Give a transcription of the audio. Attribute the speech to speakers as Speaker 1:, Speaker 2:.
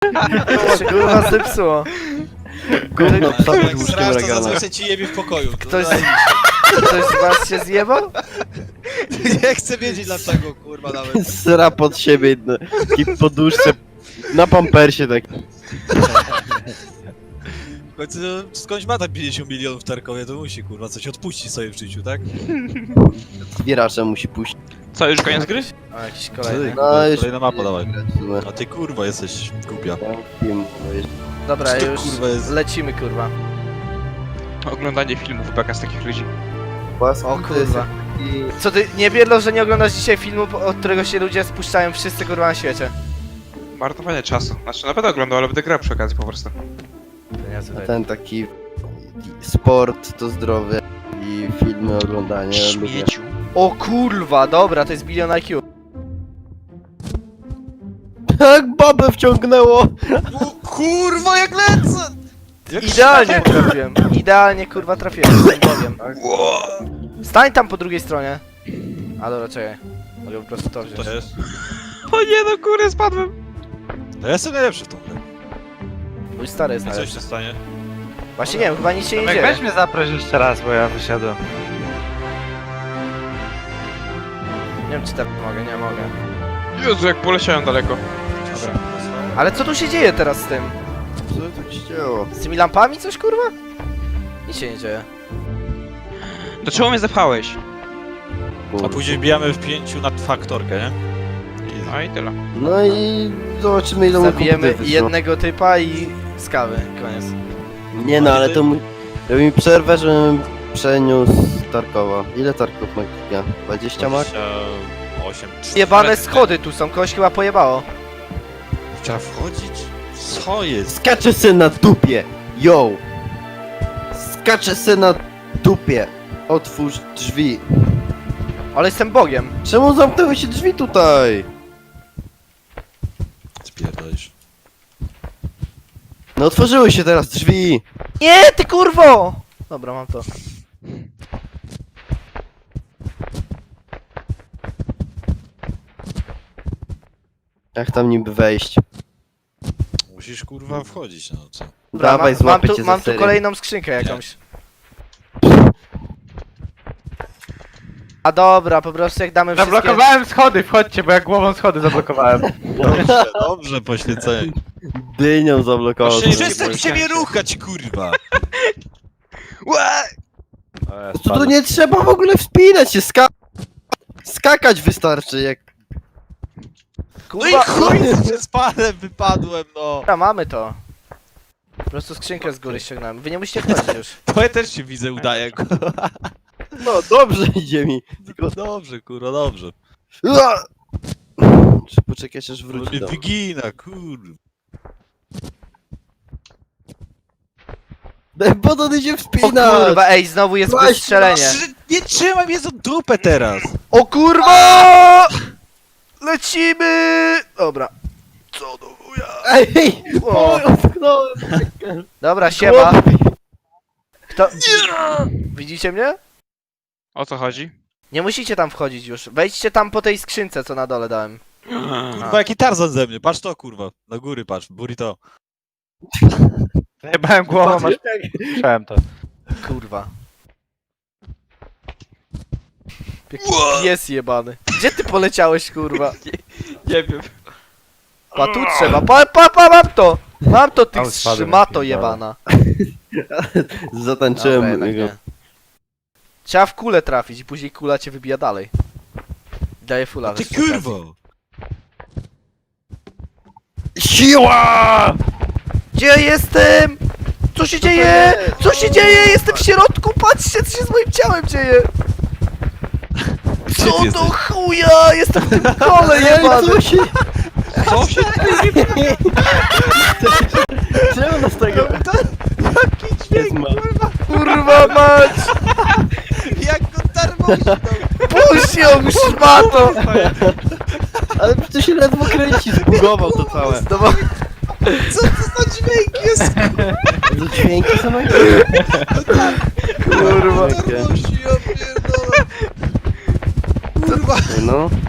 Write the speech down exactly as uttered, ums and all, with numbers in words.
Speaker 1: Kurwa zepsuło.
Speaker 2: Gówno psa
Speaker 3: Jak
Speaker 2: pod łóżkiem
Speaker 3: srasz, to
Speaker 2: regana.
Speaker 3: zazwyczaj ci jebie w pokoju. To
Speaker 1: Ktoś,
Speaker 3: daj-
Speaker 1: ktoś z was się zjebał?
Speaker 3: Nie chcę wiedzieć dlaczego, kurwa, nawet.
Speaker 2: Sra pod siebie, no, i poduszce, na pampersie tak.
Speaker 3: W końcu no, skądś ma tam pięćdziesiąt milionów w Tarkowie, to musi, kurwa, coś odpuścić sobie w życiu, tak?
Speaker 2: Zbieraczem musi puścić.
Speaker 4: Co, już koniec gry?
Speaker 1: O, jakiś kolejny.
Speaker 2: No już...
Speaker 3: Kolejna mapa, dawaj.
Speaker 2: No,
Speaker 3: A ty, kurwa, jesteś głupia.
Speaker 2: film, no już.
Speaker 1: Dobra,
Speaker 3: Co to,
Speaker 1: już
Speaker 3: kurwa, jest?
Speaker 1: lecimy, kurwa.
Speaker 4: Oglądanie filmów beka z takich ludzi.
Speaker 2: Łaski
Speaker 1: O
Speaker 2: to jest
Speaker 1: kurwa.
Speaker 2: taki-
Speaker 1: Co ty, nie biedlo, że nie oglądasz dzisiaj filmu, od którego się ludzie spuszczają wszyscy, kurwa, na świecie.
Speaker 4: Marnowanie czasu. Znaczy, na pewno oglądał, ale będę grał przy okazji po prostu.
Speaker 2: A ten taki sport to zdrowie i filmy oglądanie lubię.
Speaker 4: Śmieciu.
Speaker 1: O kurwa, dobra, to jest bilion I Q.
Speaker 2: Tak babę wciągnęło!
Speaker 3: O, kurwa, jak lecę! Jak
Speaker 1: Idealnie trafiłem. Idealnie, kurwa, trafiłem, z tym powiem. Stań tam po drugiej stronie. A dobra, czekaj. Mogę po prostu to wziąć.
Speaker 3: To jest?
Speaker 4: O nie, no kurde, spadłem.
Speaker 3: No ja jestem najlepszy w tą grę.
Speaker 1: Mój stary jest
Speaker 3: I coś
Speaker 1: najlepszy.
Speaker 3: się stanie?
Speaker 1: Właśnie nie wiem, chyba nic się nie
Speaker 5: Tomek,
Speaker 1: dzieje.
Speaker 5: weź mnie zaproś jeszcze raz, bo ja wysiadłem.
Speaker 1: Nie wiem, czy tak mogę, nie mogę.
Speaker 4: Jezu, jak poleciałem daleko.
Speaker 1: Dobra. Ale co tu się dzieje teraz z tym?
Speaker 2: Co tak się działo?
Speaker 1: Z tymi lampami coś, kurwa? Nic się nie dzieje.
Speaker 4: Do czego mnie zepchałeś?
Speaker 3: A później bijamy w pięciu na faktorkę, nie? I...
Speaker 4: No i tyle.
Speaker 2: No i zobaczymy ile mu
Speaker 1: Zabijemy
Speaker 2: komputer wyszło.
Speaker 1: jednego typa i z kawy, koniec.
Speaker 2: Nie no, ale to mu... Robi mi przerwę, żebym przeniósł Tarkowa. Ile Tarków ma giga? dwadzieścia ma?
Speaker 3: dwadzieścia osiem.
Speaker 1: Jebane schody tu są, kogoś chyba pojebało.
Speaker 3: Trzeba wchodzić? Co jest?
Speaker 2: Skacze se na dupie! Yo! Skacze se na dupie! Otwórz drzwi.
Speaker 1: Ale jestem bogiem.
Speaker 2: Czemu zamknęły się drzwi tutaj?
Speaker 3: Spierdolisz.
Speaker 2: No otworzyły się teraz drzwi!
Speaker 1: Nie, ty kurwo! Dobra, mam to.
Speaker 2: Jak tam niby wejść?
Speaker 3: Musisz, kurwa, wchodzić, no co?
Speaker 1: Dobra,
Speaker 2: Dawaj,
Speaker 1: mam, mam
Speaker 2: złapię
Speaker 1: tu,
Speaker 2: cię
Speaker 1: mam
Speaker 2: za
Speaker 1: tu
Speaker 2: serię.
Speaker 1: kolejną skrzynkę jakąś. A dobra, po prostu jak damy wszystkie...
Speaker 5: Zablokowałem schody, wchodźcie, bo ja głową schody zablokowałem.
Speaker 3: Dobrze, dobrze, poświęcenie.
Speaker 2: Dynią zablokował.
Speaker 4: Właśnie
Speaker 3: Przestań się mnie ruchać, kurwa!
Speaker 2: Tu, tu nie trzeba w ogóle wspinać się, ska... Skakać wystarczy, jak...
Speaker 3: No i
Speaker 1: Kurwa,
Speaker 3: chuj, że spadłem, wypadłem, no!
Speaker 1: dobra, mamy to. Po prostu skrzynkę z góry ściągnąłem. Wy nie musicie wchodzić już.
Speaker 3: To ja też się widzę, udaję, kurwa.
Speaker 2: No dobrze idzie mi.
Speaker 3: Tylko dobrze, kurwa, dobrze.
Speaker 2: Ua! Czy poczekać aż
Speaker 3: To
Speaker 2: wróci
Speaker 3: mnie
Speaker 2: do...
Speaker 3: wygina, kurwa.
Speaker 2: Bo to idzie
Speaker 1: O
Speaker 2: wspinać!
Speaker 1: kurwa, ej, znowu jest
Speaker 2: Właśnie,
Speaker 1: wystrzelenie.
Speaker 3: Trzy- Nie trzymaj mnie za dupę teraz!
Speaker 1: O kurwa! Lecimy! Dobra. Co do chuja?
Speaker 2: Ej!
Speaker 1: O.
Speaker 2: O, utknąłem!
Speaker 1: Dobra, siema. Kto... Widzicie mnie?
Speaker 4: O co chodzi?
Speaker 1: Nie musicie tam wchodzić już. Wejdźcie tam po tej skrzynce, co na dole dałem.
Speaker 3: Kurwa, jaki Tarzan ze mnie, patrz to, kurwa. Na góry patrz, burrito.
Speaker 5: Zajebałem głową, aż słyszałem to.
Speaker 1: Kurwa. Jaki pies jebany. Gdzie ty poleciałeś, kurwa?
Speaker 4: Nie wiem.
Speaker 1: Pa, tu trzeba. Pa, pa, pa, mam to! Mam to, ty
Speaker 5: Au, spadłem,
Speaker 1: szmato
Speaker 5: jak
Speaker 1: jebana. Dobra,
Speaker 2: Zatańczyłem
Speaker 1: jednak
Speaker 2: jego.
Speaker 1: nie. Trzeba w kulę trafić i później kula cię wybija dalej. Daje fula.
Speaker 3: Ty
Speaker 1: wiesz, przy okazji.
Speaker 3: kurwo!
Speaker 2: Siła!
Speaker 1: Gdzie ja jestem? Co się dzieje? Co się dzieje? Jestem w środku, patrzcie co się z moim ciałem dzieje!
Speaker 3: Gdzie
Speaker 1: Co
Speaker 3: ty
Speaker 1: do
Speaker 3: jesteś?
Speaker 1: chuja? Jestem w tym kole
Speaker 2: Ej,
Speaker 1: jebany!
Speaker 2: co się...
Speaker 4: Co się
Speaker 2: Czemu nas tego...
Speaker 1: Jaki dźwięk,
Speaker 2: ma?
Speaker 1: kurwa mać!
Speaker 3: Jak go tarmośnął!
Speaker 1: Puść ją, szmato!
Speaker 2: Ale przecież się ledwo kręci, zbugował to całe.
Speaker 1: Znowu...
Speaker 3: Co to za dźwięk jest?
Speaker 2: To dźwięki są jak...
Speaker 1: Kurwa.
Speaker 3: Tarmosi, ja pierdolę! Kurwa!
Speaker 2: No.